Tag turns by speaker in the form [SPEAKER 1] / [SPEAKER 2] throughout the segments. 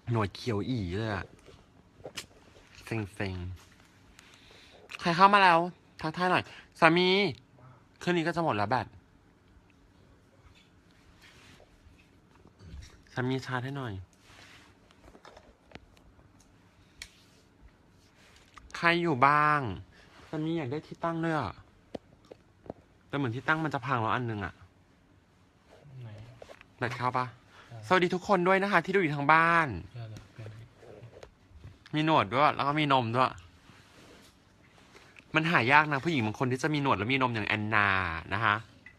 [SPEAKER 1] หนวดเขียวอีเลยอะเซ็งๆใครเข้ามาแล้วทักทายหน่อยสามีคืนนี้ก็จะหมดแล้วแบตสามีชาร์จให้หน่อยใครอยู่บ้างสามีอยากได้ที่ตั้งด้วยอะแต่เหมือนที่ตั้งมันจะพังแล้วอันนึงอะแบตเข้าปะสวัสดีทุกคนด้วยนะคะ ที่ดูอยู่ทางบ้าน มีหนวดด้วยแล้วก็มีนมด้วยมันหายากนะผู้หญิงบางคนที่จะมีหนวดแล้วมีนมอย่างแอนนานะคะ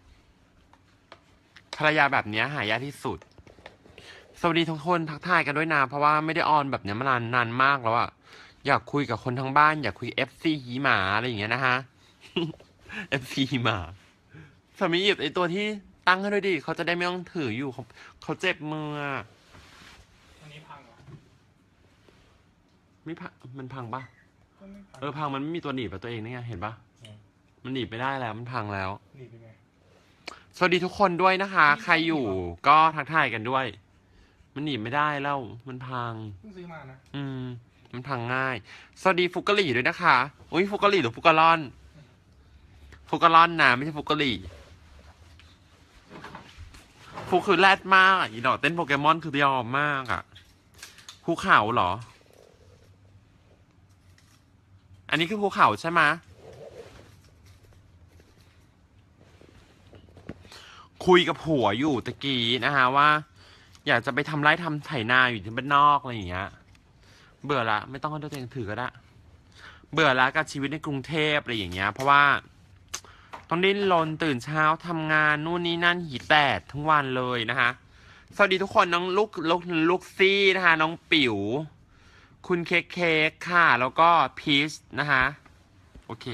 [SPEAKER 1] ภรรยาแบบนี้หายากที่สุดสวัสดีทุกคนทักทายกันด้วยนะเพราะว่าไม่ได้ออนแบบนี้มานานมากแล้วอะอยากคุยกับคนทั้งบ้านอยากคุย FC หีหมาอะไรอย่างเงี้ยนะฮะ FC หีหมาสามีหยิบไอตัวที่ตั้งให้ด้วยดิเขาจะได้ไม่ต้องถืออยู่เขาเจ็บมือ
[SPEAKER 2] อันนี้พังเหรอ
[SPEAKER 1] ไม่พังมันพังปะ
[SPEAKER 2] ไม่พัง
[SPEAKER 1] พังมันไม่มีตัวหนีบตัวเองนี่ไงเห็นปะมันหนีบไม่ได้แล้วมันพังแล้ว
[SPEAKER 2] หนีบยังไง
[SPEAKER 1] สวัสดีทุกคนด้วยนะคะ ใครอยู่ก็ทักทายกันด้วย มันหนีบไม่ได้แล้วมันพัง
[SPEAKER 2] เพิ่งซื้อมานะ
[SPEAKER 1] มันพังง่าย สวัสดีฟุกกะหรี่ด้วยนะคะอุ้ยฟุกกะหรี่หรือฟุกกะลอนฟุกกะลอนนะไม่ใช่ฟุกกะหรี่ฟุกคือแรดมากอ่ะอีดอกเต้นโปเกมอนคือยอมมากอ่ะภูเขาเหรอ อันนี้คือภูเขาใช่ไหมคุยกับผัวอยู่ตะกี้นะคะว่า อยากจะไปทำไร่ทำไถนาอยู่ที่บ้านนอกอะไรอย่างเงี้ยเบื่อละไม่ต้องให้ตัวเองถือก็ได้เบื่อละกับชีวิตในกรุงเทพอะไรอย่างเงี้ยเพราะว่าต้องดิ้นรนตื่นเช้าทำงานนู่นนี่นั่นหีแตดทั้งวันเลยนะคะสวัสดีทุกคนน้องลูกซี่นะคะน้องปิ๋วคุณเค้กค่ะแล้วก็พีชนะคะโอเค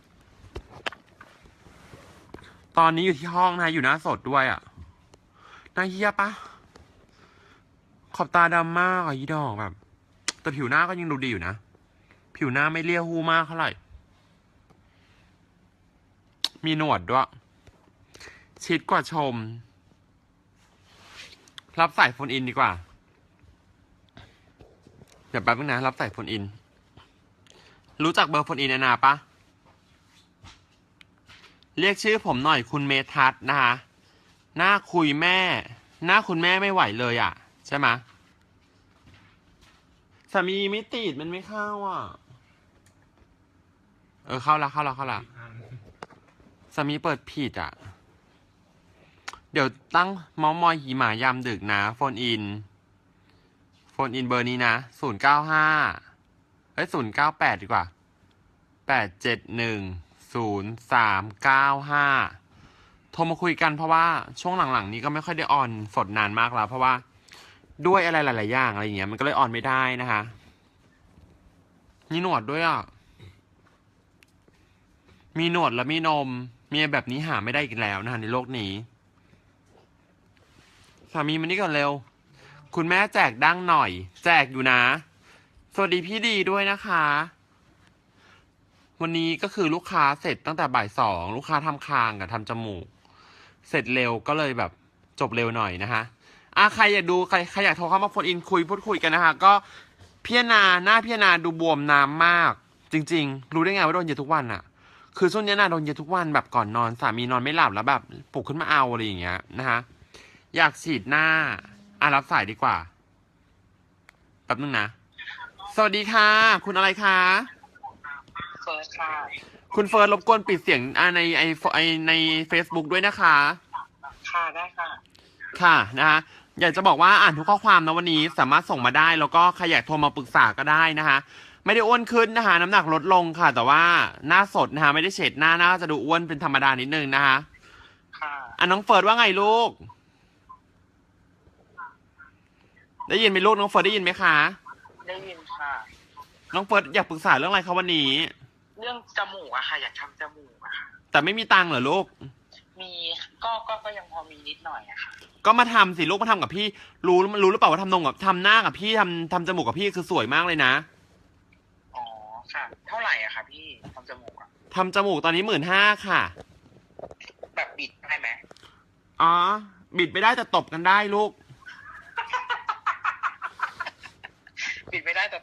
[SPEAKER 1] ตอนนี้อยู่ที่ห้องนะอยู่หน้าสดด้วยอ่ะน่าเฮียปะขอบตาดำมากอ่ะยี่ดอกแบบแต่ผิวหน้าก็ยังดูดีอยู่นะผิวหน้าไม่เลี่ยหูมากเท่าไหร่มีหนวดด้วยชิดกว่าชมรับสายโฟนอินดีกว่าเดี๋ยวแป๊บนึงนะรับสายโฟนอินรู้จักเบอร์โฟนอินนาปะเรียกชื่อผมหน่อยคุณเมทัศน์นะคะหน้าคุยแม่หน้าคุณแม่ไม่ไหวเลยอ่ะใช่ไหมสามีไม่ติดมันไม่เข้าอ่ะเข้าละสามีเปิดผิดอ่ะเดี๋ยวตั้งเมาส์มอยหีหมายามดึกนะโฟนอินเบอร์นี้นะ098ดีกว่า8710395โทรมาคุยกันเพราะว่าช่วงหลังๆนี้ก็ไม่ค่อยได้ออนสดนานมากแล้วเพราะว่าด้วยอะไรหลายๆอย่างอะไรอย่างเงี้ยมันก็เลยออนไม่ได้นะคะมีหนวดด้วยอ่ะมีหนวดและมีนมมีแบบนี้หาไม่ได้อีกแล้วนะคะในโลกนี้สามีมันนี่ก่อนเร็วคุณแม่แจกดั้งหน่อยแจกอยู่นะสวัสดีพี่ดีด้วยนะคะวันนี้ก็คือลูกค้าเสร็จตั้งแต่บ่าย2ลูกค้าทำคางกับทำจมูกเสร็จเร็วก็เลยแบบจบเร็วหน่อยนะคะใครอยากดูใครอยากโทรเข้ามาโฟนอินพูดคุยกันนะคะก็พี่นาหน้าพี่นาดูบวมน้ำมากจริงๆรู้ได้ไงว่าโดนเยอะทุกวันอะคือช่วงนี้นาโดนเยอะทุกวันแบบก่อนนอนสามีนอนไม่หลับแล้วแบบปลุกขึ้นมาเอาอะไรอย่างเงี้ยนะคะอยากฉีดหน้ารับสายดีกว่าแป๊บนึงนะสวัสดีค่ะคุณอะไรคะ
[SPEAKER 3] เฟิร์สค่ะ
[SPEAKER 1] คุณเฟิร์สรบกวนปิดเสียงในใน Facebook ด้วยนะคะ
[SPEAKER 3] ค่ะได้ค่ะ
[SPEAKER 1] ค่ะนะคะอยากจะบอกว่าอ่านทุกข้อความนะวันนี้สามารถส่งมาได้แล้วก็ใครอยากโทรมาปรึกษาก็ได้นะคะไม่ได้อ้วนขึ้นนะคะน้ำหนักลดลงค่ะแต่ว่าหน้าสดนะคะไม่ได้เฉดหน้าจะดูอ้วนเป็นธรรมดานิดนึงนะคะ
[SPEAKER 3] ค่ะ
[SPEAKER 1] น้องเฟิร์สว่าไงลูกได้ยินไหมลูกน้องเฟิร์สได้ยินไหมคะ
[SPEAKER 3] ได้ยินค่ะ
[SPEAKER 1] น้องเฟิร์สอยากปรึกษาเรื่องอะไรคะวันนี้
[SPEAKER 3] เรื่องจมูกอะค่ะอยากทำจมูกอะค่ะ
[SPEAKER 1] แต่ไม่มีตังค์เหรอลูก
[SPEAKER 3] มีก็ยังพอมีนิดหน่อยอะค่ะ
[SPEAKER 1] ก็มาทำสิลูกมาทำกับพี่รู้หรือเปล่าว่าทำนงกับทำหน้ากับพี่ทำจมูกกับพี่คือสวยมากเลยนะ
[SPEAKER 3] อ๋อค่ะเท่าไหร่อะค่ะพี่ทำจมูกอะ
[SPEAKER 1] ทำจมูกตอนนี้15,000ค่ะ
[SPEAKER 3] แบบบิดได้ไหม
[SPEAKER 1] อ๋อบิดไม่ได้แต่ตบกันได้ลูก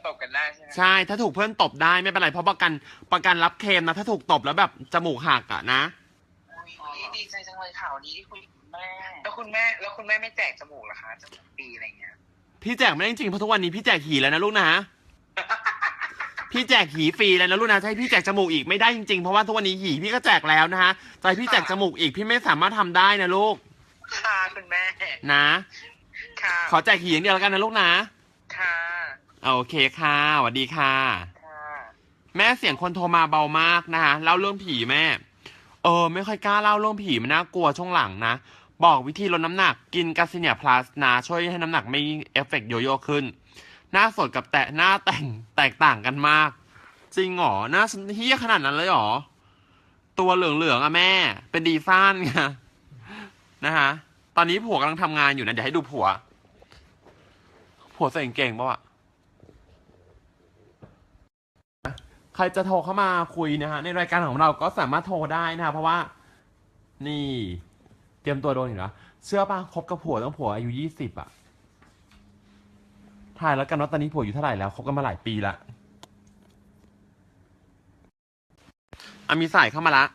[SPEAKER 3] ตบกันได้ใช่ไหม
[SPEAKER 1] ใช่ถ้าถูกเพื่อนตบได้ไม่เป็นไรเพราะประกันรับเคลมนะถ้าถูกตบแล้วแบบจมูกหักอะนะ
[SPEAKER 3] อุ๊ยดีใจจังเลยข่าวดีที่คุยกับคุณแม่แล้วคุณแม่ไม่แจกจมูกเหรอคะจมูกฟรีอะไรเงี้ย
[SPEAKER 1] พี่แจกไม่ได้จริงๆเพราะทุกวันนี้พี่แจกหีแล้วนะลูกนะ พี่แจกหีฟรีแล้วนะลูกนะจะให้พี่แจกจมูกอีกไม่ได้จริงๆเพราะว่าทุกวันนี้หีพี่ก็แจกแล้วนะฮะจะให้พี่แจกจมูกอีกพี่ไม่สามารถทำได้นะลูก
[SPEAKER 3] ค่ะคุณแม่
[SPEAKER 1] นะ
[SPEAKER 3] ค่ะ
[SPEAKER 1] ขอแจกหีอย่างเดียวแล้วกันนะลูกนะ
[SPEAKER 3] ค่ะ
[SPEAKER 1] โอเคค่ะสวัสดีค่ะ
[SPEAKER 3] ค่ะ
[SPEAKER 1] แม่เสียงคนโทรมาเบามากนะคะเล่าเรื่องผีแม่ไม่ค่อยกล้าเล่าเรื่องผีมันน่ากลัวช่วงหลังนะบอกวิธีลดน้ำหนักกินกาซิเนียพลัสนะช่วยให้น้ำหนักไม่เอฟเฟกต์โยโย่ขึ้นหน้าสดกับหน้าแต่งแตกต่างกันมาก จริงเหรอหน้าเฮี้ยขนาดนั้นเลยเหรอตัวเหลืองๆอะแม่ เป็นดีซ่านไงนะคะตอนนี้ผัวกำลังทำงานอยู่นะเดี๋ยวให้ดูผัวใส่กางเกงปะวะใครจะโทรเข้ามาคุยนะฮะในรายการของเราก็สามารถโทรได้นะฮะเพราะว่า นี่ เตรียมตัวโดนอยู่นะเชื่อป่ะคบกับผัวต้องผัวอายุ20อ่ะทายแล้วกันว่าตอนนี้ผัวอยู่เท่าไหร่แล้วคบกันมาหลายปีละมีสายเข้ามาละ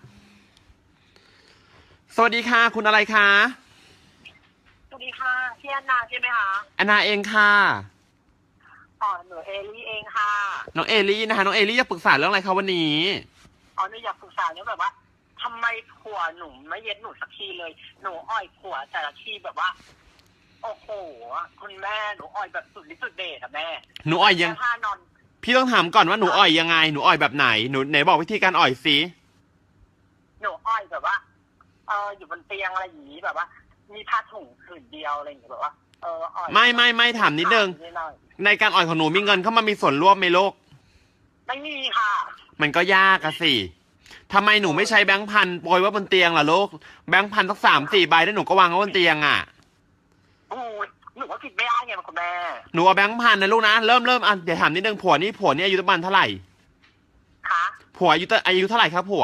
[SPEAKER 1] สวัสดีค่ะคุณอะไรคะ
[SPEAKER 4] สวัสดีค่ะพี่แอนนาใช่ไหมคะ
[SPEAKER 1] แอนนาเองค่ะ
[SPEAKER 4] หนูเอลี่เองค่ะ
[SPEAKER 1] น้องเอลี่นะคะน้องเอลี่จะปรึกษาเรื่องอะไรคะวันนี้
[SPEAKER 4] หนูอยากปรึกษาเรื่องแบบว่าทำไมผัวหนูไม่เย็ดหนูสักทีเลย หนูอ่อยผัวแต่ละทีแบบว่า โอ้โหคุณแม่หนูอ่อยแบบสุดฤทธิ์สุดเดชอะแม่
[SPEAKER 1] หนูอ่อยยัง
[SPEAKER 4] แค่ท่านอน
[SPEAKER 1] พี่ต้องถามก่อนว่าหนูอ่อยยังไงหนูอ่อยแบบไหนหนูไหนบอกวิธีการอ่อยสิ
[SPEAKER 4] หนูอ่อยแบบว่า อยู่บนเตียงอะไรอย่างนี้แบบว่า มีผ้าถุงผืนเดียวอะไรอย่างเงี้ยแบบว่าอ่อย
[SPEAKER 1] ไม่ถามนิดนึง
[SPEAKER 4] หน่อย
[SPEAKER 1] ในการอ่อยของหนูมีเงินเข้ามามีส่วนร่วมไหมลูก
[SPEAKER 4] ไม่มีค่ะ
[SPEAKER 1] มันก็ยากอะสิทำไมหนูไม่ใช้แบงค์พันโปรยไว้บนเตียงล่ะลูกแบงค์พันสัก3-4 ใบแล้วหนูก็วางไว้บนเตียงอะ
[SPEAKER 4] โอ้ยหนูก็คิดไม่ได้ไงคุณแม่
[SPEAKER 1] หนูเอาแบงค์พันนะลูกนะเริ่มอ่ะเดี๋ยวถามนิดนึงผัวนี่อายุประมาณเท่าไหร่
[SPEAKER 4] คะ
[SPEAKER 1] ผัวอายุเท่าไหร่ครับผัว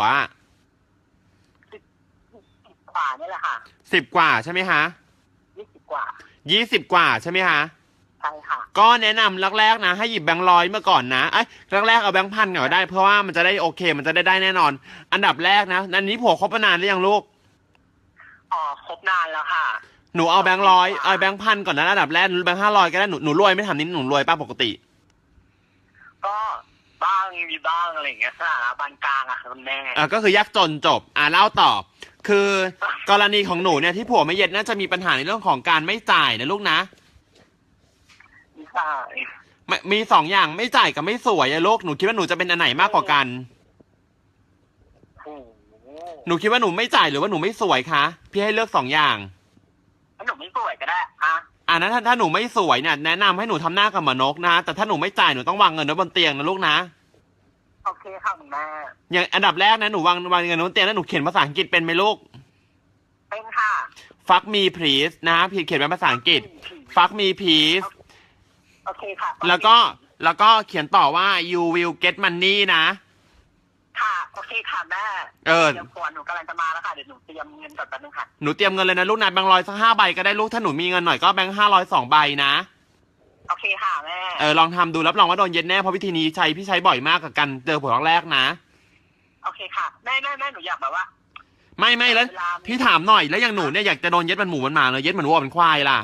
[SPEAKER 4] กว่านี่แหละค่ะ
[SPEAKER 1] 10 กว่าใช่ไหมฮะ
[SPEAKER 4] 20 กว่า
[SPEAKER 1] 20 กว่าใช่ไหมฮะ
[SPEAKER 4] ใช่ค่ะ
[SPEAKER 1] ก็แนะนำแรกๆนะให้หยิบแบงค์ร้อยมาก่อนนะแรกๆเอาแบงค์พันก่อนก็ได้เพราะว่ามันจะได้โอเค มันจะได้แน่นอน อันดับแรกนะอันนี้ผัวคบมานานหรือยังลูก
[SPEAKER 4] ครบนานแล้วค่ะ
[SPEAKER 1] หนูเอาแบงค์ร้อยเอาแบงค์พันก่อนนะอันดับแรกแบงค์500ก็ได้หนูรวยไม่ถามนิดหนูรวยป้าปกติ
[SPEAKER 4] ก็บ้างมีบ้างอะไรอย่างเงี้ยสถานะปานกลางอะค่ะคุณแม่
[SPEAKER 1] ก็คือยากจนจบเล่าต่อ คือกรณีของหนูเนี่ยที่ผัวไม่เย็ดน่าจะมีปัญหาในเรื่องของการไม่จ่ายนะลูกนะ
[SPEAKER 4] ใช่
[SPEAKER 1] มี2 อย่างไม่จ่ายกับไม่สวยอะลูกหนูคิดว่าหนูจะเป็นอันไหนมากกว่ากัน
[SPEAKER 4] โอ้โห
[SPEAKER 1] หนูคิดว่าหนูไม่จ่ายหรือว่าหนูไม่สวยคะพี่ให้เลือก2 อย่าง
[SPEAKER 4] ถ้าหนูไม่สวยก็ได้อะ
[SPEAKER 1] นั้นถ้าหนูไม่สวยเนี่ยแนะนำให้หนูทำหน้ากับหมอนกนะแต่ถ้าหนูไม่จ่ายหนูต้องวางเงินไว้บนเตียงนะลูกนะ
[SPEAKER 4] โอเคค่ะคุณแม่
[SPEAKER 1] อย่างอันดับแรกนะหนูวางเงินไว้บนเตียงแล้วหนูเขียนภาษาอังกฤษเป็นไหมลูก
[SPEAKER 4] เป็นค่ะ
[SPEAKER 1] fuck me please นะพี่เขียนเป็นภาษาอังกฤษ fuck me please
[SPEAKER 4] โอเคค่ะ
[SPEAKER 1] แล้วก็เขียนต่อว่า you will get money นะ
[SPEAKER 4] ค่ะโอเคค่ะแม่
[SPEAKER 1] เออ
[SPEAKER 4] เดี๋ยวผัวหนูกำลังจะมาแล้วค่ะเดี๋ยวหนูเตรียมเงินก่อนแป๊บนึงค่ะ
[SPEAKER 1] หนูเตรียมเงินเลยนะลูกนะแบงค์ร้อยสัก5 ใบก็ได้ลูกถ้าหนูมีเงินหน่อยก็แบงค์500 2 ใบนะ
[SPEAKER 4] โอเคค่ะแม่
[SPEAKER 1] ลองทำดูรับรองว่าโดนเย็นแน่เพราะวิธีนี้พี่ใช้บ่อยมากกับกันเจอผัวครั้งแรกนะ
[SPEAKER 4] โอเคค่ะแม่หนูอยากแบบว่า
[SPEAKER 1] ไม่แล้วพี่ถามหน่อยแล้วอย่างหนูเนี่ยอยากจะโดนเย็ดมันหมูมันหมาเลยเย็ดเหมือนวัวเป็นควายล่ะ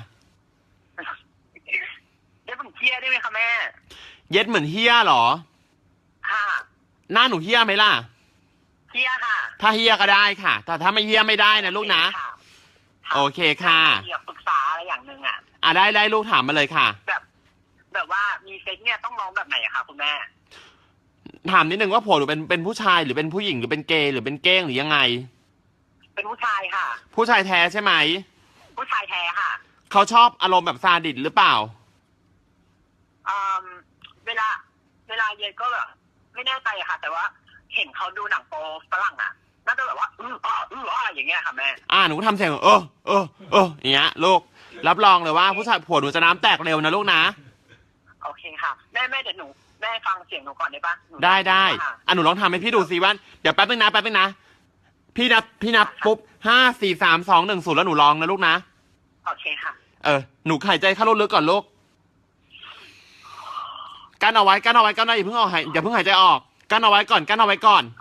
[SPEAKER 4] เดี๋ยวผมเคลียร์ได้ไหมคะแม่
[SPEAKER 1] เย็ดเหมือนเฮี้ยเหรอ
[SPEAKER 4] ค่ะ
[SPEAKER 1] หน้าหนูเฮี้ยไหมล่ะ
[SPEAKER 4] เคลียร์ค่ะ
[SPEAKER 1] ถ้าเฮี้ยก็ได้ค่ะแต่ถ้าไม่เฮี้ยไม่ได้นะลูกนะ
[SPEAKER 4] ค่ะ
[SPEAKER 1] โอเคค่ะ
[SPEAKER 4] อยากปรึกษาอะไรอย่างหนึ่งอ่ะ
[SPEAKER 1] ได้ลูกถามมาเลยค่ะ
[SPEAKER 4] แบบว่ามีเซ็กเนี่ยต้องร้องแบบไหนอะคะคุณแม่
[SPEAKER 1] ถามนิดนึงว่าผัวหนูเป็นผู้ชายหรือเป็นผู้หญิงหรือเป็นเกย์หรือเป็นเก้งหรือยังไง
[SPEAKER 4] เป็นผู้ชายค่ะ
[SPEAKER 1] ผู้ชายแท้ใช่ไหม
[SPEAKER 4] ผู้ชายแท้ค่ะ
[SPEAKER 1] เขาชอบอารมณ์แบบซาดิสหรือเปล่า
[SPEAKER 4] อืมเวลาเย็นก็แบบไม่แน่ใจอะค่ะ แต่ว่าเห็นเขาดูหนังโป๊ฝรั่งอะน่าจะแบบว่าอย่างเงี้ยค่ะแม่
[SPEAKER 1] หนูก็ทำเสียงอย่างเงี้ยลูกรับรองเลยว่าผู้ชายผัวหนูจะน้ำแตกเร็วนะลูกนะ
[SPEAKER 4] โอเคค่ะแม่เดี๋ยวหนูแม่ฟังเสียงหนูก่อนได้ปะหนู
[SPEAKER 1] ได้
[SPEAKER 4] ค่ะ
[SPEAKER 1] หนูลองทำให้พี่ดูสิว่าเดี๋ยวแป๊บนึงนะพี่นับปุ๊บ5 4 3 2 1 0แล้วหนูลองนะลูกนะ
[SPEAKER 4] โอเคค่ะ
[SPEAKER 1] หนูหายใจเข้าลึกๆก่อนลูกกั้นเอาไว้อย่าเพิ่งออกอย่าเพิ่งหายใจออกกั้นเอาไว้ก่อนกั้นเอาไว้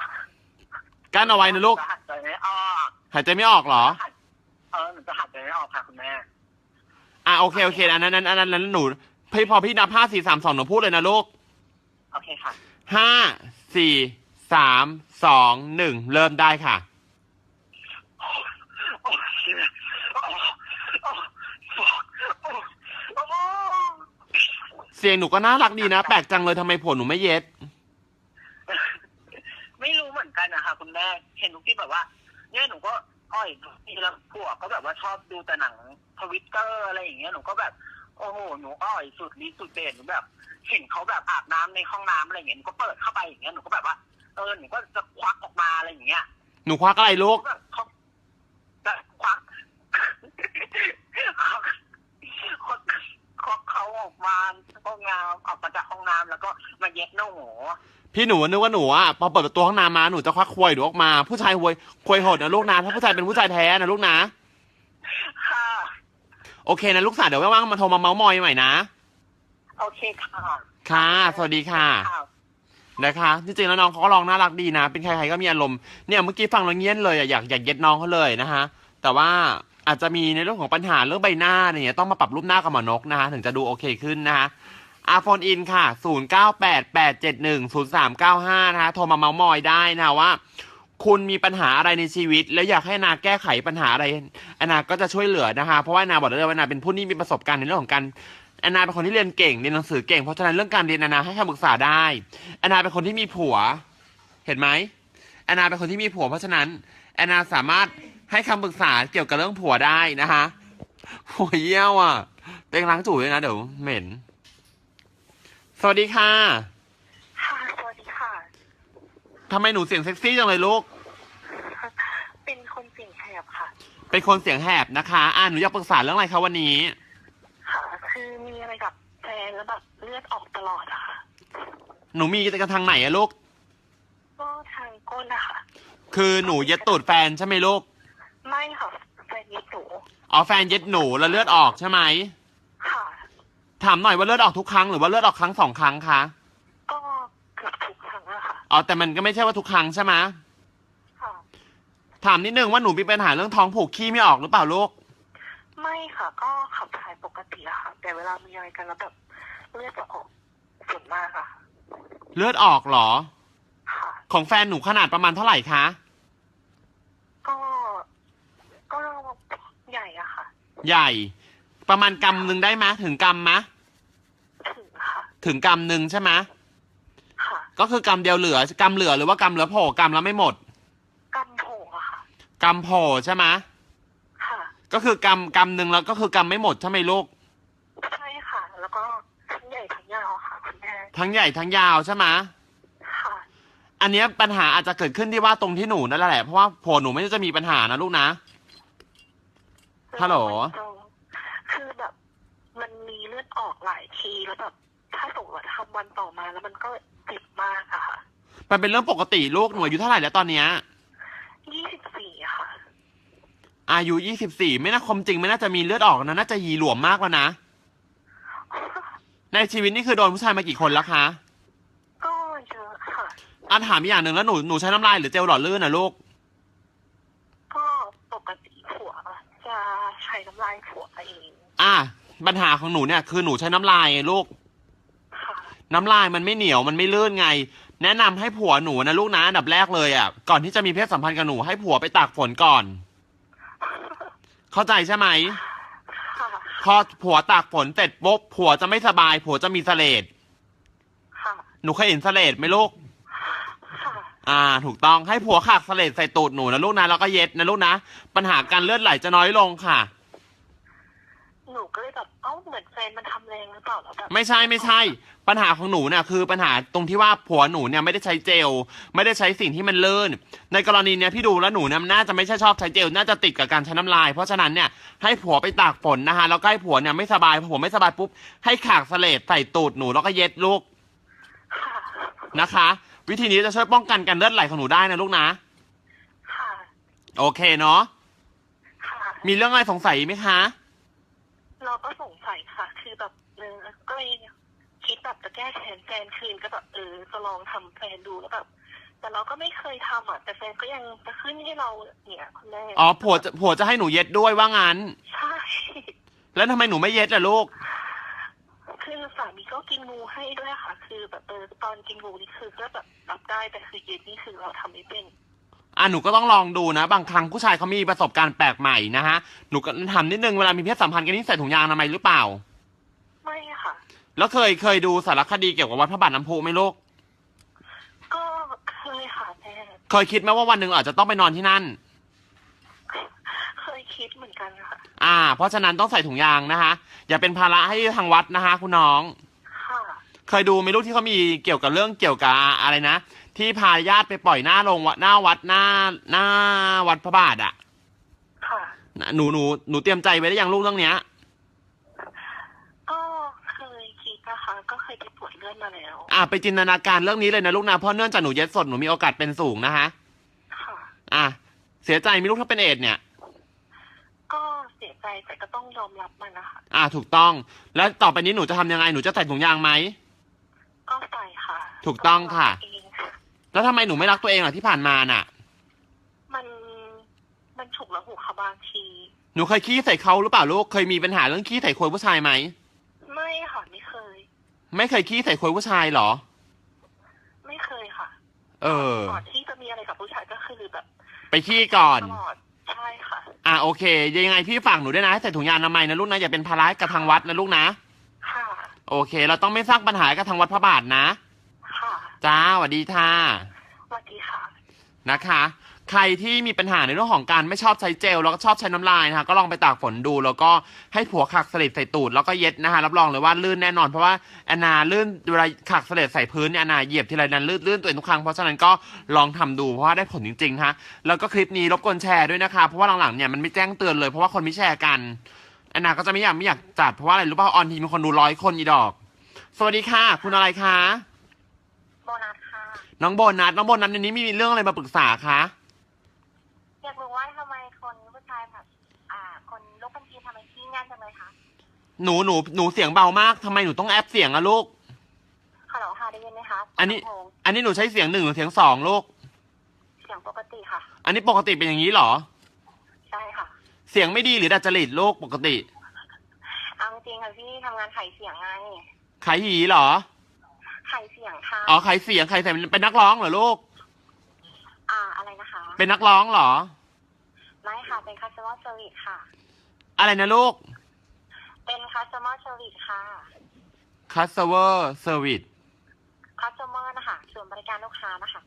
[SPEAKER 1] นะลูก
[SPEAKER 4] หายใจไม่ออก
[SPEAKER 1] หายใจไม่ออกเหรอ
[SPEAKER 4] หนูจะหายใจไม่ออกค่ะคุณแม่
[SPEAKER 1] โอเคอันนั้นหนูพอพี่นับ5 4 3 2หนูพูดเลยนะลูก
[SPEAKER 4] โอเคค่ะ
[SPEAKER 1] 5 4 3 2 1เริ่มได้ค่ะ
[SPEAKER 4] โอ้เชี่ย
[SPEAKER 1] เสียงหนูก็น่ารักดีนะแปลกจังเลยทำไมผัวหนูไม่เย็ด
[SPEAKER 4] ไม่รู้เหมือนกันนะคะคุณแม่เห็นทุกที่แบบว่า เนี่ยหนูก็อ้อยทีละพวกก็แบบว่าชอบดูแต่หนังTwitterอะไรอย่างเงี้ยหนูก็แบบโอ้โหหนูอ้อยสุดฤทธิ์สุดเด่นหนูแบบเห็นเขาแบบอาบน้ำในห้องน้ำอะไรอย่างเงี้ยหนูก็เปิดเข้าไปอย่างเงี้ยหนูก็แบบว่าหนูก็จะควักออกมาอะไรอย่างเงี้ย
[SPEAKER 1] หนูควักอะไรลูก
[SPEAKER 4] แบบเขาจะควักเขาออกมาห้องน้ำออกมาจากห้องน้ำแล้วก็มาเย็ดหนู
[SPEAKER 1] พี่หนูนึกว่าหนูพอเปิดประตูห้องน้ำมาหนูจะควักควยหนูออกมาผู้ชายควยโหดนะลูกนะถ้าผู้ชายเป็นผู้ชายแท้นะลูกนะ
[SPEAKER 4] ค่ะ
[SPEAKER 1] โอเคนะลูกสาวเดี๋ยวว่างๆมาโทรมาเมาส์มอยใหม่นะ
[SPEAKER 4] โอเคค่ะ
[SPEAKER 1] ค่ะสวัสดีค่ะนะคะจริงๆแล้วน้องเขาก็ร้องน่ารักดีนะเป็นใครๆก็มีอารมณ์เนี่ยเมื่อกี้ฟังแล้วเงี้ยเลยอยากเย็ดน้องเขาเลยนะคะแต่ว่าอาจจะมีในเรื่องของปัญหาเรื่องใบหน้าเนี่ยต้องมาปรับรูปหน้ากับหมอนกนะคะถึงจะดูโอเคขึ้นนะคะโฟนอินค่ะ0988710395นะคะโทรมาเมาส์มอยได้นะว่า คุณมีปัญหาอะไรในชีวิต แล้วอยากให้นาแก้ไขปัญหาอะไรนาก็จะช่วยเหลือนะคะเพราะว่านาบอกเลยว่านาเป็นผู้ที่มีประสบการณ์ในเรื่องของการนาเป็นคนที่เรียนเก่งเรียนหนังสือเก่งเพราะฉะนั้นเรื่องการเรียนนาให้คำปรึกษาได้นาเป็นคนที่มีผัวเห็นไหมนาเป็นคนที่มีผัวเพราะฉะนั้นนาสามารถให้คำปรึกษาเกี่ยวกับเรื่องผัวได้นะคะผัวเยี่ยวอ่ะเต็งล้างจู่ด้วยนะเดี๋ยวเหม็นสวัสดีค่ะ
[SPEAKER 4] ค่ะสวัสดีค่ะ
[SPEAKER 1] ทำไมหนูเสียงเซ็กซี่จังเลยลูก
[SPEAKER 4] เป็นคนเสียงแหบค่ะ
[SPEAKER 1] เป็นคนเสียงแหบนะคะหนูอยากปรึกษาเรื่องอะไรคะวันนี้
[SPEAKER 4] ค่ะคือมีอะไรกับแฟนแล้วแบบเลือดออกตลอดอะค่ะ
[SPEAKER 1] หนูมีกันทางไหนอะลูก
[SPEAKER 4] ก็ทางก้นนะคะ
[SPEAKER 1] คือหนูเย็ดตูดแฟนใช่ไหมลูก
[SPEAKER 4] ไม่ค่ะแฟนยิดหนู
[SPEAKER 1] แฟนเย็ดหนูแล้วเลือดออกใช่ไหม
[SPEAKER 4] ค่ะ
[SPEAKER 1] ถามหน่อยว่าเลือดออกทุกครั้งหรือว่าเลือดออกครั้ง2 ครั้งคะ
[SPEAKER 4] ก็เกือบทุกครั้งอะค่ะ
[SPEAKER 1] แต่มันก็ไม่ใช่ว่าทุกครั้งใช่ไหม
[SPEAKER 4] ค่ะ
[SPEAKER 1] ถามนิดนึงว่าหนูมีปัญหาเรื่องท้องผูกขี้ไม่ออกหรือเปล่าลูก
[SPEAKER 4] ไม่ค่ะ ก็ขับถ่ายปกติอะค่ะ แต่เวลามีอะไรกันแล้วแบบเลือดจะออกส่วนมากอะ
[SPEAKER 1] เลือดออกเหรอ
[SPEAKER 4] ค่ะ
[SPEAKER 1] ของแฟนหนูขนาดประมาณเท่าไหร่คะ
[SPEAKER 4] ก็ใหญ่อะค่ะ
[SPEAKER 1] ใหญ่ ประมาณกำหนึ่งได้ไหมถึงกำไหม
[SPEAKER 4] ถึงค่ะ
[SPEAKER 1] ถึงกำหนึ่งใช่ไหม
[SPEAKER 4] ค่ะ
[SPEAKER 1] ก็คือกำเดียวเหลือกำเหลือหรือว่ากำเหลือโผล่กำแล้วไม่หมด
[SPEAKER 4] กำโผงอะค่ะ
[SPEAKER 1] กำโผล่ใช่ไหม
[SPEAKER 4] ค่ะ
[SPEAKER 1] ก็คือกำหนึ่งแล้วก็คือกำไม่หมดใช่ไหมลูก
[SPEAKER 4] ใช่ค่ะ แล้วก็ทั้งใหญ่ทั้งยาวค่ะคุณแม่
[SPEAKER 1] ทั้งใหญ่ทั้งยาวใช่ไหม
[SPEAKER 4] ค่ะ
[SPEAKER 1] อันเนี้ยปัญหาอาจจะเกิดขึ้นที่ว่าตรงที่หนูนั่นแหละเพราะว่าผัวหนูไม่ได้จะมีปัญหานะลูกนะ ฮัลโหล
[SPEAKER 4] คือแบบมันมีเลือดออกหลายทีแล้วแบบถ้าสมมติว่าทำวันต่อมาแล้วมันก็เจ็บมากอะค่ะ
[SPEAKER 1] มันเป็นเรื่องปกติลูกหนูอายุเท่าไหร่แล้วตอนเนี้ย
[SPEAKER 4] 24ค่ะ
[SPEAKER 1] อายุ24ไม่น่าความจริงไม่น่าจะมีเลือดออกนะน่าจะยีหลวมมากแล้วนะในชีวิตนี่คือโดนผู้ชายมากี่คนแล้วคะ
[SPEAKER 4] ก็เยอะค่ะ
[SPEAKER 1] ถามอีกอย่างหนึ่งแล้วหนูใช้น้ำลายหรือเจลหล่อลื่นนะลูก
[SPEAKER 4] ก็ปกติผัวจะใช้น้ำลายผัวเอง
[SPEAKER 1] ปัญหาของหนูเนี่ยคือหนูใช้น้ำลายไงลูก
[SPEAKER 4] ค่ะ
[SPEAKER 1] น้ำลายมันไม่เหนียวมันไม่ลื่นไง แนะนำให้ผัวหนูนะลูกนะอันดับแรกเลยก่อนที่จะมีเพศสัมพันธ์กับหนูให้ผัวไปตากฝนก่อน เข้าใจใช่ไหม
[SPEAKER 4] ค่ะ
[SPEAKER 1] พอผัวตากฝนเสร็จปุ๊บผัวจะไม่สบายผัวจะมีเสลด
[SPEAKER 4] ค่ะ
[SPEAKER 1] หนูเคยเห็นเสลดไหมลูก
[SPEAKER 4] ค่ะ
[SPEAKER 1] ถูกต้องให้ผัวขากเสลดใส่ตูดหนูนะลูกนะแล้วก็เย็ดนะลูกนะปัญหาการเลือดไหลจะน้อยลงค่ะ
[SPEAKER 4] หนูก็เลยแบบเหมือนแฟนมันทำแรงหรือเปล่าแล้วแบบ
[SPEAKER 1] ไม่ใช่ปัญหาของหนูเนี่ยคือปัญหาตรงที่ว่าผัวหนูเนี่ยไม่ได้ใช้เจลไม่ได้ใช้สิ่งที่มันลื่นในกรณีเนี้ยพี่ดูแล้วหนูเนี่ยน่าจะไม่ใช่ชอบใช้เจลน่าจะติดกับการใช้น้ำลายเพราะฉะนั้นเนี่ยให้ผัวไปตากฝนนะคะแล้วก็ให้ผัวเนี่ยไม่สบายพอผัวไม่สบายปุ๊บให้ขากเสลดใส่ตูดหนูแล้วก็เย็ดลูก
[SPEAKER 4] ค่ะ
[SPEAKER 1] นะคะ วิธีนี้จะช่วยป้องกันการเลือดไหลของหนูได้นะลูกนะ
[SPEAKER 4] ค่ะ
[SPEAKER 1] โอเคเนาะ
[SPEAKER 4] ค่ะ
[SPEAKER 1] มีเรื่องอะไรสงสัยไหมคะ
[SPEAKER 4] เราก็สงสัยค่ะ คือแบบก็เลยคิคิดแบบจะแก้แค้นแฟนคืนก็แบบจะลองทำแฟนดูแล้วแบบแต่เราก็ไม่เคยทำอ่ะแต่แฟนก็ยังจะขึ้นให้เราเนี่ยคุณแม่
[SPEAKER 1] อ๋อผัวจะให้หนูเย็ดด้วยว่างั้น
[SPEAKER 4] ใช่
[SPEAKER 1] แล้วทำไมหนูไม่เย็ดล่ะลูก
[SPEAKER 4] คือสามีก็กินงูให้ด้วยค่ะ คือแบบตอนกินงูนี่คือก็แบบรับได้แต่คือเย็นนี่คือเราทำไม่เป็น
[SPEAKER 1] หนูก็ต้องลองดูนะบางครั้งผู้ชายเขามีประสบการณ์แปลกใหม่นะฮะหนูก็ถามนิดนึงเวลามีเพศสัมพันธ์กันนี่ใส่ถุงยางอนามัยหรือเปล่า
[SPEAKER 4] ไม่ค่ะ
[SPEAKER 1] แล้วเคยดูสารคดีเกี่ยวกับวัดพระบาทน้ำพุไหมลูก
[SPEAKER 4] ก็เคยค่ะแม่
[SPEAKER 1] เคยคิดไหมว่าวันหนึ่งอาจจะต้องไปนอนที่นั่น
[SPEAKER 4] เคยคิดเหมือนกันค่ะ
[SPEAKER 1] เพราะฉะนั้นต้องใส่ถุงยางนะคะอย่าเป็นภาระให้ทางวัดนะคะคุณน้อง
[SPEAKER 4] ค่ะ
[SPEAKER 1] เคยดูไหมลูกที่เขามีเกี่ยวกับเรื่องเกี่ยวกับอะไรนะที่พาญาติไปปล่อยหน้าวัดหน้าวัดพระบาทอ่ะ
[SPEAKER 4] ค่ะ
[SPEAKER 1] หนูเตรียมใจไว้ได้ยังลูกเรื่องเนี้ย
[SPEAKER 4] ก็เคยคิดนะคะก็เคยไปตรวจเลือดมาแล้ว
[SPEAKER 1] ไปจินตนาการเรื่องนี้เลยนะลูกนะเพราะเนื่องจากหนูเย็ดสดหนูมีโอกาสเป็นสูงนะคะ
[SPEAKER 4] ค่ะ
[SPEAKER 1] เสียใจไหมีลูกถ้าเป็นเอดส์เนี่ย
[SPEAKER 4] ก็เสียใจแต่ก็ต้องยอมรับมันนะคะ
[SPEAKER 1] ถูกต้องแล้วต่อไปนี้หนูจะทำยังไงหนูจะใส่ถุงยางไหม
[SPEAKER 4] ก็ใส่ค่ะ
[SPEAKER 1] ถูกต้องค่ะ
[SPEAKER 4] เองค่ะ
[SPEAKER 1] แล้วทำไมหนูไม่รักตัวเองล่ะที่ผ่านมาน่ะ
[SPEAKER 4] มันฉุกละหุกค่ะบางที
[SPEAKER 1] หนูเคยขี้ใส่เขาหรือเปล่าลูกเคยมีปัญหาเรื่องขี้ใส่ควยผู้ชายไหม
[SPEAKER 4] ไม่ค่ะไม่เคย
[SPEAKER 1] ไม่เคยขี้ใส่ควยผู้ชายเหรอ
[SPEAKER 4] ไม่เคยค่ะ ก่อนที่จะมีอะไรกับผู้ชายก็คือแบบ
[SPEAKER 1] ไปขี้ก่อน
[SPEAKER 4] ตลอดใช่ค่ะ
[SPEAKER 1] โอเคยังไงพี่ฝากหนูด้วยนะให้ใส่ถุงยางอนามัยนะลูกนะอย่าเป็นภาระกับทางวัดนะลูกนะ
[SPEAKER 4] ค่ะ
[SPEAKER 1] โอเค เราต้องไม่สร้างปัญหากับทางวัดพระบาทนะ
[SPEAKER 4] ค่ะ
[SPEAKER 1] จ้าสวัสดีค่ะ
[SPEAKER 4] สวัสดีค่ะ
[SPEAKER 1] นะคะ ใครที่มีปัญหาในเรื่องของการไม่ชอบใช้เจลแล้วก็ชอบใช้น้ำลายนะคะก็ลองไปตากฝนดูแล้วก็ให้ผัวขักสลิดใส่ตูดแล้วก็เย็ดนะคะรับรองเลยว่าลื่นแน่นอนเพราะว่าแอนนาลื่นเวลาขักสลิดใส่พื้นเนี่ยแอนนาเหยียบทีไรนั้นลื่นตัวเองทุกครั้งเพราะฉะนั้นก็ลองทำดูเพราะว่าได้ผลจริงๆฮะแล้วก็คลิปนี้รบกวนแชร์ด้วยนะคะเพราะว่าหลังๆเนี่ยมันไม่แจ้งเตือนเลยเพราะว่าคนไม่แชร์กันแอนนาก็จะไม่อยากจัดเพราะว่าอะไรรู้ป่ะออนทีมีคนดู100 คนอีดอกสวัสดีค่ะคุณอะไรคะ
[SPEAKER 4] โบนัสค่ะ
[SPEAKER 1] น้องโบนัสในนี้มีเรื่องอะไรมาปรึกษาคะ
[SPEAKER 4] อยากรู้ว่าทำไมคนผู้ชายแบบคนโรคบัญชีทำไมขี้งานจังเลยคะ
[SPEAKER 1] หนูเสียงเบามากทำไมหนูต้องแอปเสียงอะลูก
[SPEAKER 4] ฮัลโหลค่ะได้ยินไหมคะ
[SPEAKER 1] อันนี้
[SPEAKER 4] ลำโพง
[SPEAKER 1] อันนี้หนูใช้เสียง1หรือเสียง2ลูก
[SPEAKER 4] เสียงปกติค่ะ
[SPEAKER 1] อันนี้ปกติเป็นอย่างนี้เหรอ
[SPEAKER 4] ใช่ค่ะ
[SPEAKER 1] เสียงไม่ดีหรือดัดจริตลูกปกติ
[SPEAKER 4] เอาจริงๆค่ะพี่ทำงานขายเสียงไง
[SPEAKER 1] ขายหีเหรอ
[SPEAKER 4] ขายเสียงค่ะ
[SPEAKER 1] ขายเสียงเป็นนักร้องเหรอลูก
[SPEAKER 4] อะไรนะคะ
[SPEAKER 1] เป็นนักร้องเหรอ
[SPEAKER 4] ไม่ค่ะ เป็น customer service ค่ะ
[SPEAKER 1] อะไรนะลูก
[SPEAKER 4] เป็น customer service ค่ะ
[SPEAKER 1] customer service
[SPEAKER 4] customer นะคะส่วนบริการลูกค้านะคะ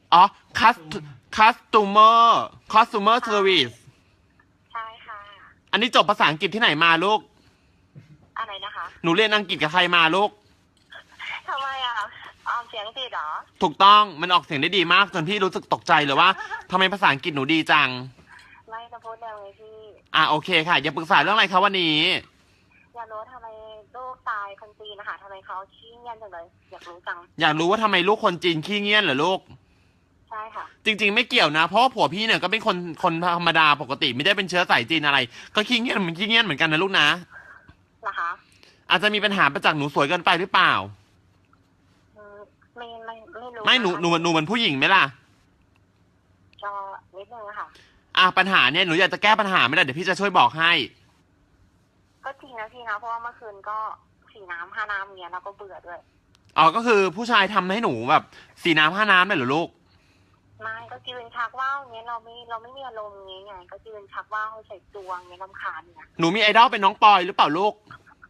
[SPEAKER 1] customer service
[SPEAKER 4] ใช่ค่ะ
[SPEAKER 1] อันนี้จบภาษาอังกฤษที่ไหนมาลูก
[SPEAKER 4] อะไรนะคะ
[SPEAKER 1] หนูเรียนอังกฤษกับใครมาลูก
[SPEAKER 4] ทำไมออมเสียงติดเหรอ
[SPEAKER 1] ถูกต้องมันออกเสียงได้ดีมากจนพี่รู้สึกตกใจเลยว่าทำไมภาษาอังกฤษหนูดีจัง
[SPEAKER 4] ไม่จะพูดเร็วเลยพี่
[SPEAKER 1] โอเคค่ะอย่าปรึกษาเรื่องอะไรคะวันนี้
[SPEAKER 4] อยากรู้ทำไมลูกตายคนจีนนะคะทำไมเขาขี้เงียบจังเลย อยากรู้จัง
[SPEAKER 1] อยากรู้ว่าทำไมลูกคนจีนขี้เงียจเหรอลูก
[SPEAKER 4] ใช่ค่ะ
[SPEAKER 1] จริงๆไม่เกี่ยวนะ เพราะว่าผัวพี่เนี่ยก็เป็นคนธรรมดาปกติไม่ได้เป็นเชื้อสายจีนอะไร ก็ขี้เงียจเหมือนกันนะลูกนะ
[SPEAKER 4] นะคะ
[SPEAKER 1] อาจจะมีปัญหาประจากหนูสวยเกินไปหรือเปล่า
[SPEAKER 4] ไม่รู้
[SPEAKER 1] ไม่หนูเหมือนผู้หญิงไหมล่ะ
[SPEAKER 4] ก็นิดนึงอะค่ะ
[SPEAKER 1] ปัญหาเนี่ยหนูอยากจะแก้ปัญหาไหมล่ะเดี๋ยวพี่จะช่วยบอกให้
[SPEAKER 4] ก็จริงนะพี่นะเพราะว่าเมื่อคืนก็4 น้ำ5 น้ำเงี้ยเราก็เบื่อด้วย
[SPEAKER 1] ก็คือผู้ชายทำให้หนูแบบ4 น้ำ5 น้ำเลยเหรอลูก
[SPEAKER 4] ไม่ก็ยืนชักว่าวเงี้ยเราไม่มีอารมณ์เงี้ยไงก็ยืนชักว่าวใส่จวงเงี้ยรำคาญเนี่ย
[SPEAKER 1] หนูมีไอดอลเป็นน้องปอยหรือเปล่าลูก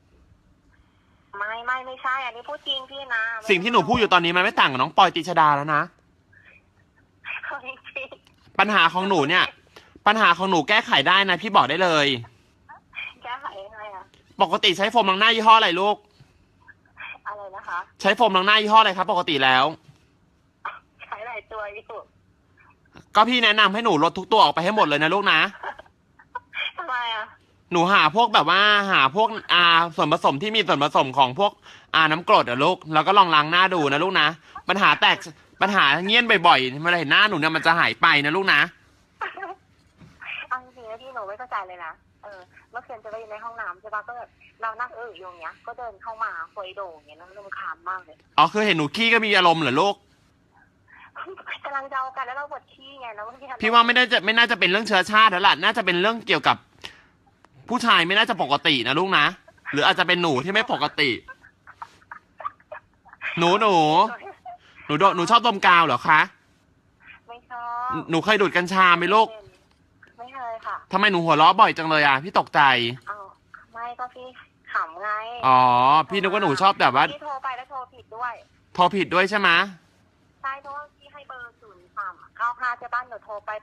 [SPEAKER 4] ไม่ใช่อันนี้พูดจริงพี่นะ
[SPEAKER 1] สิ่งที่หนูพูดอยู่ตอนนี้มันไม่ต่างกับน้องปอยตรีชดาแล้วนะ
[SPEAKER 4] จริง
[SPEAKER 1] ปัญหาของหนูเนี่ย ปัญหาของหนูแก้ไขได้นะพี่บอกได้เลย
[SPEAKER 4] แก้ไขยังไงอะ
[SPEAKER 1] ปกติใช้โฟมล้างหน้ายี่ห้ออะไรลูก
[SPEAKER 4] อะไรนะคะ
[SPEAKER 1] ใช้โฟมล้างหน้ายี่ห้ออะไรครับปกติแล้ว
[SPEAKER 4] ใช้หลายตัวอยู่
[SPEAKER 1] ก็พี่แนะนำให้หนูลดทุกตัวออกไปให้หมดเลยนะลูกนะ
[SPEAKER 4] ทำไมอะ
[SPEAKER 1] หนูหาพวกแบบว่าหาพวกส่วนผสมที่มีส่วนผสมของพวกน้ำกรดลูกแล้วก็ลองล้างหน้าดูนะลูกนะปัญหาเงี้ยนบ่อยๆเมื่อไรเห็นหน้าหนูเนี่ยมันจะหายไปนะลูกนะ
[SPEAKER 4] เอาจริงๆนะพี่หนูไม่เข้าใจเลยนะ
[SPEAKER 5] เมื่อคืนจะไปอยู่ในห้องน้ำใช่ปะก็แบบเรานั่งอยู่อย่างเงี้ยก็เดินเข้ามาคุยโด่งอย่างเงี้ยแล้วรำคาญมากเลย
[SPEAKER 1] อ๋อคือเห็นหนูขี้ก็มีอารมณ์เหรอลูก
[SPEAKER 5] กำลังจะเอากันแล้วเราปวดขี้ไงแล้วไม่ทัน
[SPEAKER 1] พี่ว่าไม่น่าจะเป็นเรื่องเชื้อชาติแล้วล่ะน่าจะเป็นเรื่องเกี่ยวกับ ผู้ชายไม่น่าจะปกตินะลูกนะหรืออาจจะเป็นหนูที่ไม่ปกติ หนูชอบดมกาวเหรอคะ
[SPEAKER 5] ไม่ชอบ
[SPEAKER 1] หนูเคยดูดกัญชาไหมลูก
[SPEAKER 5] ไม่เคยค่ะ
[SPEAKER 1] ทำไมหนูหัวเราะบ่อยจังเลยอ่ะพี่ตกใจ
[SPEAKER 5] เอาไม่ก็พี่ขำไง
[SPEAKER 1] อ๋อพี่นึกว่าหนูชอบแบบว่า
[SPEAKER 5] พี่โทรไปแล้วโทรผิดด้วย
[SPEAKER 1] โทรผิดด้วยใช่ไหม
[SPEAKER 5] ใช่เพราะว่าพี่ให้เบอร์0395ใช่ป่ะหนูโทรไป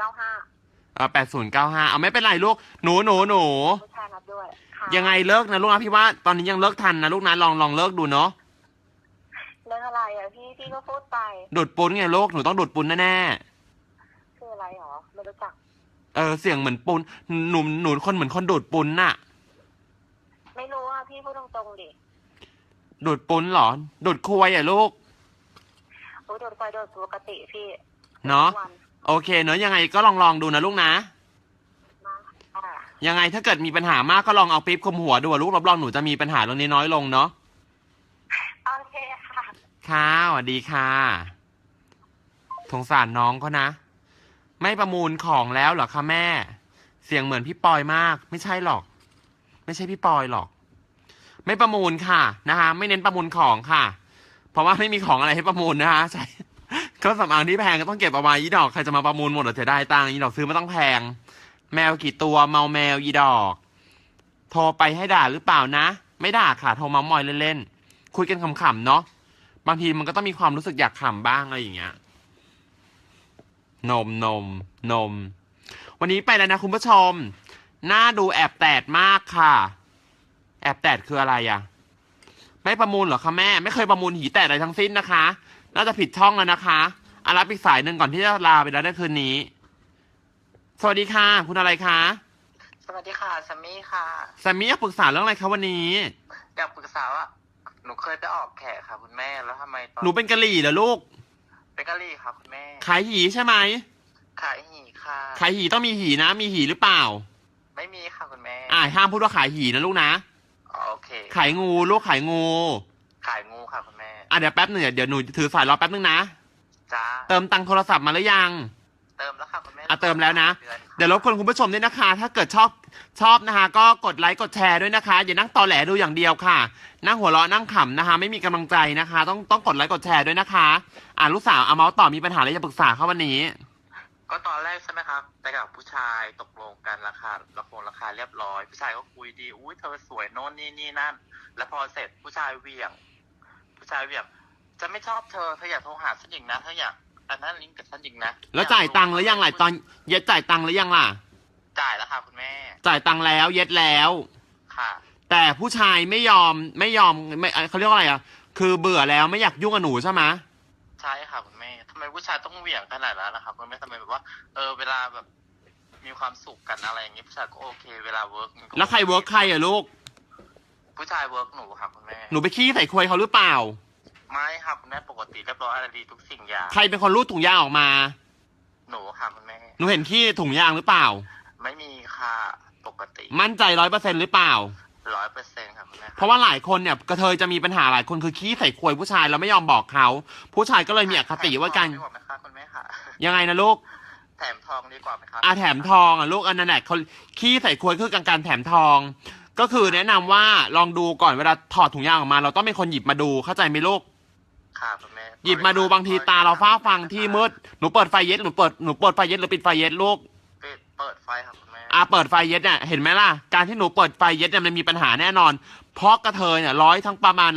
[SPEAKER 5] 8095
[SPEAKER 1] 8095เอาไม่เป็นไรลูกหนู
[SPEAKER 5] ผู้ชายรับด้วยค่ะ
[SPEAKER 1] ยังไงเลิกนะลูกนะพี่ว่าตอนนี้ยังเลิกทันนะลูกนะลองเลิกดูเนาะ
[SPEAKER 5] เรื่องอะไรอ่ะพี่ก็พูดไป
[SPEAKER 1] ดูดปุ้นไงลูกหนูต้องดูดปุ้นแน่
[SPEAKER 5] คืออะไรหรอไม่รู้จัก
[SPEAKER 1] เสียงเหมือนปุ้นหนูคนเหมือนคนดูดปุ้นน่ะ
[SPEAKER 5] ไม่รู้อ่ะพี่พูดตรงๆดิ
[SPEAKER 1] ดูดปุ้นเหรอดูดควยอ่ะลูก
[SPEAKER 5] โอ้ยโดนไฟโดนปกติพี่
[SPEAKER 1] เนาะ
[SPEAKER 5] วัน
[SPEAKER 1] โอเคเนาะยังไงก็ลองดูนะลูกนะ
[SPEAKER 5] มาอ่า
[SPEAKER 1] ยังไงถ้าเกิดมีปัญหามากก็ลองเอาปี๊บคลุมหัวดูอะลูกรับรองหนูจะมีปัญหาเรื่องนี้น้อยลงเนาะ
[SPEAKER 5] โอเคค่ะ
[SPEAKER 1] ค่ะสวัสดีค่ะสงสารน้องเขานะ ไม่ประมูลของแล้วเหรอคะแม่ เสียงเหมือนพี่ปอยมาก ไม่ใช่หรอก ไม่ใช่พี่ปอยหรอก ไม่ประมูลค่ะนะคะไม่เน้นประมูลของค่ะ เพราะว่าไม่มีของอะไรให้ประมูลนะคะใช่เครื่องสำอางที่แพงก็ต้องเก็บเอาไว้อีดอกใครจะมาประมูลหมดหรอจะได้ตังค์อีดอกซื้อไม่ต้องแพง แมวกี่ตัวเมาแมวอีดอก โทรไปให้ด่าหรือเปล่านะ ไม่ด่าค่ะโทรเมามอยเล่นๆคุยกันขำๆเนาะบางทีมันก็ต้องมีความรู้สึกอยากขำบ้างอะไรอย่างเงี้ยนม วันนี้ไปแล้วนะคุณผู้ชมหน้าดูแอบแตดมากค่ะ แอบแตดคืออะไรอ่ะไม่ประมูลเหรอคะแม่ไม่เคยประมูลหีแตดอะไรทั้งสิ้นนะคะ น่าจะผิดช่องแล้วนะคะรับอีกสายหนึ่งก่อนที่จะลาไปแล้วในคืนนี้สวัสดีค่ะคุณอะไรคะ
[SPEAKER 3] สวัสดีค่ะซัมมี่ค่ะ
[SPEAKER 1] แซมมี่อยากปรึกษาเรื่องอะไรคะวันนี้
[SPEAKER 3] อยากปรึกษาว่าหนูเคยไปออกแขกค่ะคุณแม่แล้วทำไมตอน
[SPEAKER 1] หนูเป็นกะหรี่เหรอลูก
[SPEAKER 3] เป็นกะหรี่ค่ะคุณแม่
[SPEAKER 1] ขายหีใช่ไหม
[SPEAKER 3] ขายหีค่ะ
[SPEAKER 1] ขายหีต้องมีหีนะมีหีหรือเปล่า
[SPEAKER 3] ไม่มีค่ะคุณแม่
[SPEAKER 1] ห้ามพูดว่าขายหีนะลูกนะ
[SPEAKER 3] อ๋อโอเค
[SPEAKER 1] ขายงูลูกขายงู
[SPEAKER 3] ขายงูค่ะคุณแม่
[SPEAKER 1] เดี๋ยวแป๊บหนึ่งเดี๋ยวหนูถือสายรอแป๊บนึงนะ
[SPEAKER 3] จ้า
[SPEAKER 1] เติมตังค์โทรศัพท์มาหรือยัง
[SPEAKER 3] เติมแล้วค่ะคุณแม่
[SPEAKER 1] เติมแล้วนะ
[SPEAKER 3] ดือค่
[SPEAKER 1] เดี๋ยวรบกวนคุณผู้ชมด้วยนะคะ ถ้าเกิดชอบนะคะ ก็กดไลค์กดแชร์ด้วยนะคะ อย่านั่งตอแหลดูอย่างเดียวค่ะ นั่งหัวเราะนั่งขำนะคะ ไม่มีกำลังใจนะคะ ต้องกดไลค์กดแชร์ด้วยนะคะลูกสาวเอาเมาส์ต่อมีปัญหาอะไรจะปรึกษาเขาวันนี้
[SPEAKER 3] ก็ตอนแรกใช่ไหมครับไปกับผู้ชายตกลงกันราคาเรียบร้อยผู้ชายก็คุยดีอุ้ยเธอสวยโน่นนี่นั่น แล้วพอเสร็จผู้ชายเหวี่ยง จะไม่ชอบเธออยากโทรหาฉันอีกนะเธออยากอันนั้นลิงก์กับฉันอีกนะ
[SPEAKER 1] แล้วจ่ายตังค์หรือยังล่ะตอนเย็ดจ่ายตังค์หรือยังล่ะ
[SPEAKER 3] จ่ายแล้วค่ะคุณแม่
[SPEAKER 1] จ่ายตังค์แล้วเย็ดแล้ว
[SPEAKER 3] ค่ะ
[SPEAKER 1] แต่ผู้ชายไม่ยอมไม่เขาเรียกว่าอะไรอ่ะคือเบื่อแล้วไม่อยากยุ่งกับหนูใช่ไหม
[SPEAKER 3] ใช่ค่ะคุณแม่ทำไมผู้ชายต้องเหวี่ยงขนาดนั้นนะครับคุณแม่ทำไมแบบว่าเวลาแบบมีความสุขกันอะไรอย่างงี้ผู้ชายก็โอเค เวลาเวิร์ก
[SPEAKER 1] แล้วใครเวิร์กใครอ่ะลูก
[SPEAKER 3] ผู้ชายเวิร์กหนูค่ะคุณแม่
[SPEAKER 1] หนูไปขี้ใส่ควยเขาหรือเปล่า
[SPEAKER 3] ไม่ค่ะคุณแม่ปกติเรียบร้อยอะไรดีทุกสิ่งอย่าง
[SPEAKER 1] ใครเป็นคนรูดถุงยางออกมา
[SPEAKER 3] หนูค่ะคุณแม่
[SPEAKER 1] หนูเห็นขี้ถุงยางหรือเปล่า
[SPEAKER 3] ไม่มีค่ะปกติ
[SPEAKER 1] มั่นใจ100%หรือเปล่า
[SPEAKER 3] 100%ค่ะคุณแม่
[SPEAKER 1] เพราะว่าหลายคนเนี่ยกระเทยจะมีปัญหาหลายคนคือขี้ใส่ควยผู้ชายแล้วไม่ยอมบอกเขาผู้ชายก็เลยมีอคติว่ากัน
[SPEAKER 3] แถมทองดีกว่าไหมคะคุณแม่ค่ะ
[SPEAKER 1] ยังไงนะลูก
[SPEAKER 3] แถมทองดีกว่าไหมคะ
[SPEAKER 1] แถมทองลูกอันนั้นแหละเขาขี้ใส่ควยคือการแถมทอง ก็คือแนะนำว่าลองดูก่อนเวลาถอดถุงยางออกมา เราต้องเป็นคนหยิบมาดูเข้าใจไหมลูก
[SPEAKER 3] ค่ะคุณแม่
[SPEAKER 1] หยิบมาดูบางทีตาเราฟ้าฟังที่มืดหนูเปิดไฟเย็ดหนูเปิดไฟเย็ดหรือปิดไฟเย็ดลูก
[SPEAKER 3] เปิดไฟค่ะคุณแม่
[SPEAKER 1] เปิดไฟเย็ดเนี่ยเห็นไหมล่ะการที่หนูเปิดไฟเย็ดเนี่ยมันมีปัญหาแน่นอนเพราะกระเทยเนี่ยทั้งประมาณ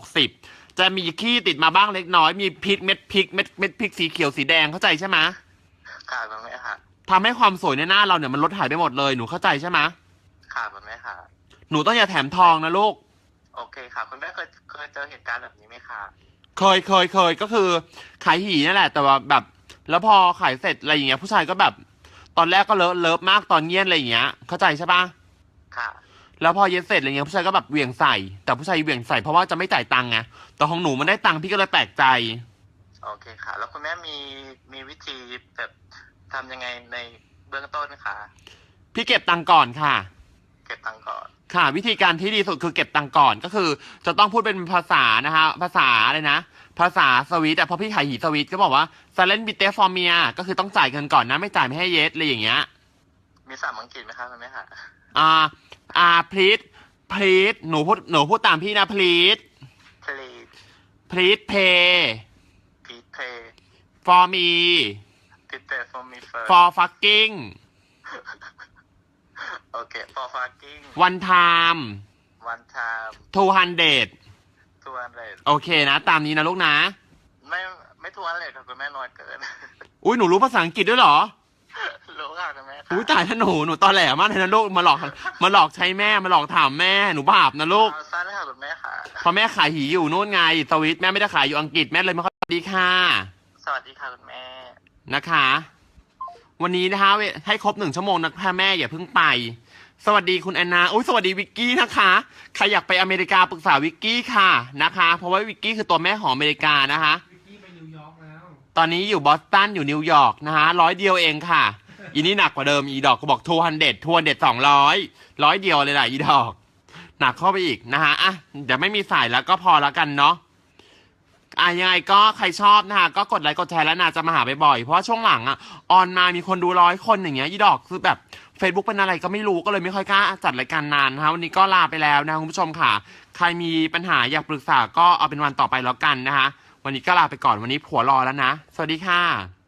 [SPEAKER 1] 160จะมีขี้ติดมาบ้างเล็กน้อยมีพริกเม็ดพริกสีเขียวสีแดงเข้าใจใช่ไหม
[SPEAKER 3] ค่ะคุณแม่ค่ะ
[SPEAKER 1] ทำให้ความสวยในหน้าเราเนี่ยมันลดหายไปหมดเลยหนูเข้าใจใช่ไหม
[SPEAKER 3] ค่ะคุณแม่ค่ะ
[SPEAKER 1] หนูต้องอย่าแถมทองนะลูก
[SPEAKER 3] โอเคค่ะคุณแม่เคยเจอเหตุการณ์แบบนี้ไหมคะ
[SPEAKER 1] เคยก็คือขายหีนั่นแหละแต่ว่าแบบ แล้วพอขายเสร็จอะไรอย่างเงี้ยผู้ชายก็แบบ ตอนแรกก็เลิฟมากตอนเย็นอะไรอย่างเงี้ยเข้าใจใช่ปะ
[SPEAKER 3] ค่ะ
[SPEAKER 1] แล้วพอเย็นเสร็จอะไรเงี้ยผู้ชายก็แบบเหวี่ยงใส่แต่ผู้ชายเหวี่ยงใส่เพราะว่าจะไม่จ่ายตังค์ไงแต่ของหนูมันได้ตังค์พี่ก็เลยแปลกใจ
[SPEAKER 3] โอเคค่ะ แล้วคุณแม่มีวิธีแบบทำยังไงในเบื้องต้นคะ
[SPEAKER 1] พี่เก็บตังค์ก่อนค่ะ
[SPEAKER 3] เก็บตังค์ก่อน
[SPEAKER 1] ค่ะ วิธีการที่ดีสุดคือเก็บตังค์ก่อนก็คือ จะต้องพูดเป็นภาษานะคะภาษาอะไรนะภาษาสวิตอ่ะเพราะพี่ขายหีสวิตก็บอกว่า silent b i t e for me ก็คือต้องจ่ายเงินก่อนนะไม่จ่ายไม่ให้เยสอะไรอย่างเงี้ย
[SPEAKER 3] มีศัพท์อังกฤษไหมครับคุณแม่ค่ะ
[SPEAKER 1] please หนูพูดตามพี่นะ please
[SPEAKER 3] please
[SPEAKER 1] pay
[SPEAKER 3] please pay
[SPEAKER 1] for me
[SPEAKER 3] please pay for me first
[SPEAKER 1] for fucking
[SPEAKER 3] โอเค for fucking
[SPEAKER 1] one time
[SPEAKER 3] one time
[SPEAKER 1] 200
[SPEAKER 3] 200
[SPEAKER 1] โอเคนะ ตามนี้นะลูกนะ
[SPEAKER 3] ไม่200ครับคุณแม่น้อยเกิน
[SPEAKER 1] อุ้ยหนูรู้ภาษาอังกฤษด้วยเหรอ
[SPEAKER 3] รู้ค่ะคุณแม่ค่ะ
[SPEAKER 1] อุ้ยตายถ้าหนูตอแหลมากเลยนะลูกมาหลอกใช้แม่มาหลอกถามแม่หนูบาปนะลูก
[SPEAKER 3] เอาสั้นค่ะคุณแม่ค่ะ
[SPEAKER 1] เพราะแม่ขายหีอยู่นู่นไงสวิตแม่ไม่ได้ขายอยู่อังกฤษแม่เลยไม่ค่อยดีค่ะ
[SPEAKER 3] สวัสดีค่ะคุณแม่
[SPEAKER 1] นะคะ วันนี้นะคะให้ครบ1 ชั่วโมงนะพ่อแม่อย่าเพิ่งไป สวัสดีคุณแอนนาอุ้ยสวัสดีวิกกี้นะคะใครอยากไปอเมริกาปรึกษาวิกกี้ค่ะนะคะ เพราะว่าวิกกี้คือตัวแม่ของอเมริกานะคะ
[SPEAKER 2] วิกกี้ไปนิวยอร์กแล้ว
[SPEAKER 1] ตอนนี้อยู่บอสตันอยู่นิวยอร์กนะคะ100 เดียวเองค่ะ อีนี่หนักกว่าเดิมอีดอกก็บอก200 100 เดียวเลยแหละอีดอกหนักเข้าไปอีกนะคะอ่ะเดี๋ยวไม่มีสายแล้วก็พอแล้วกันเนาะยังไงก็ใครชอบนะคะก็กดไลค์กดแชร์แล้วนาจะมาหาบ่อยๆเพราะว่าช่วงหลังออนมามีคนดู100 คนอย่างเงี้ยอีดอกคือแบบ Facebook เป็นอะไรก็ไม่รู้ก็เลยไม่ค่อยกล้าจัดรายการนานนะคะวันนี้ก็ลาไปแล้วนะคุณผู้ชมค่ะใครมีปัญหาอยากปรึกษาก็เอาเป็นวันต่อไปแล้วกันนะคะวันนี้ก็ลาไปก่อนวันนี้ผัวรอแล้วนะสวัสดีค่ะ